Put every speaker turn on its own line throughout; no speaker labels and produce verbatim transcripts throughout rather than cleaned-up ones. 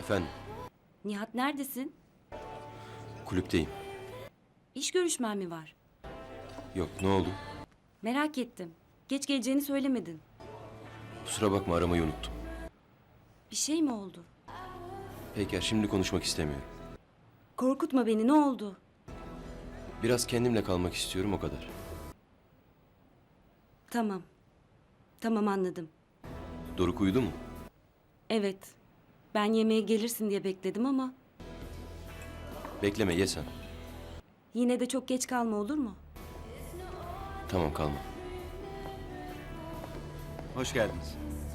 Efendim,
Nihat neredesin?
kulüpteyim.
İş görüşmen mi var?
Yok, ne oldu?
Merak ettim. Geç geleceğini söylemedin.
Kusura bakma, aramayı unuttum.
Bir şey mi oldu?
Peyker, şimdi konuşmak istemiyorum.
Korkutma beni, ne oldu?
Biraz kendimle kalmak istiyorum, o kadar.
Tamam. Tamam, anladım.
Doruk uyudu mu?
Evet. Ben yemeğe gelirsin diye bekledim ama
Bekleme, ye sen.
yine de çok geç kalma, olur mu?
Tamam, kalma.
Hoş geldiniz.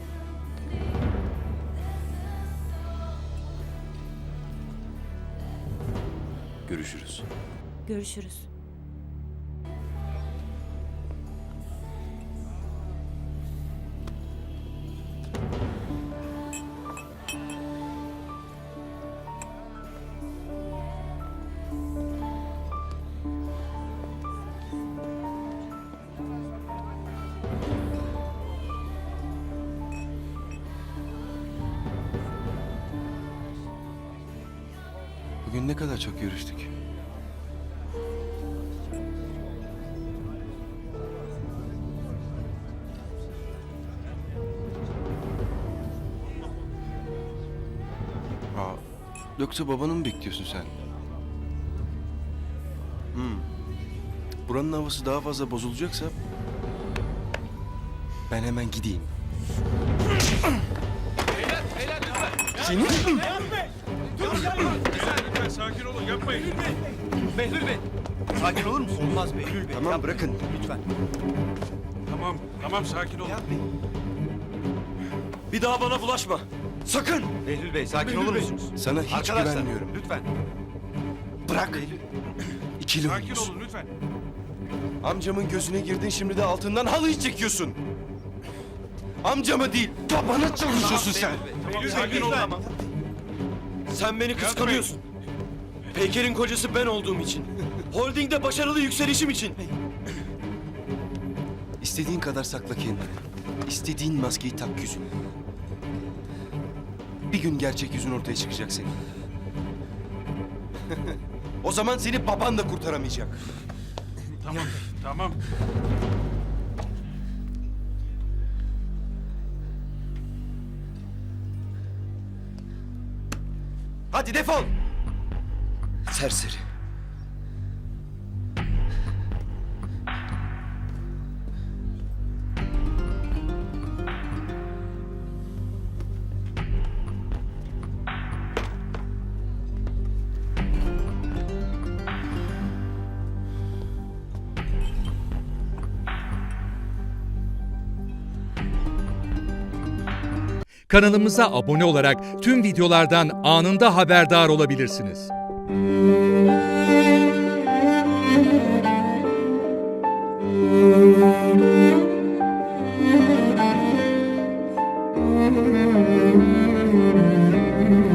Görüşürüz.
Görüşürüz.
Bugün ne kadar çok görüştük. Aa, yoksa babanı mı bekliyorsun sen? Hmm. Buranın havası daha fazla bozulacaksa ben hemen gideyim. Senin?
Lütfen sakin olun, yapmayın.
Behlül Bey, sakin olur musun? Olmaz Behlül Bey.
Tamam, bırakın.
Lütfen.
Tamam, tamam sakin olun.
Bir daha bana bulaşma. Sakın. Behlül Bey, sakin olur musunuz?
Sana hiç
Arkadaşlar,
güvenmiyorum.
lütfen.
Bırak. İkili
Sakin
oynuyorsun.
olun lütfen.
Amcamın gözüne girdin, şimdi de altından halıyı çekiyorsun. Amcamı değil, babana çalışıyorsun sen.
Behlül, sakin olun.
Tamam.
Sen beni kıskanıyorsun. Peyker'in kocası ben olduğum için. Holding'de başarılı yükselişim için.
İstediğin kadar sakla kendini. İstediğin maskeyi tak yüzüne. Bir gün gerçek yüzün ortaya çıkacak senin. O zaman seni baban da kurtaramayacak.
Tamam, tamam.
Hadi defol! Serseri.
Kanalımıza abone olarak tüm videolardan anında haberdar olabilirsiniz.
Müzik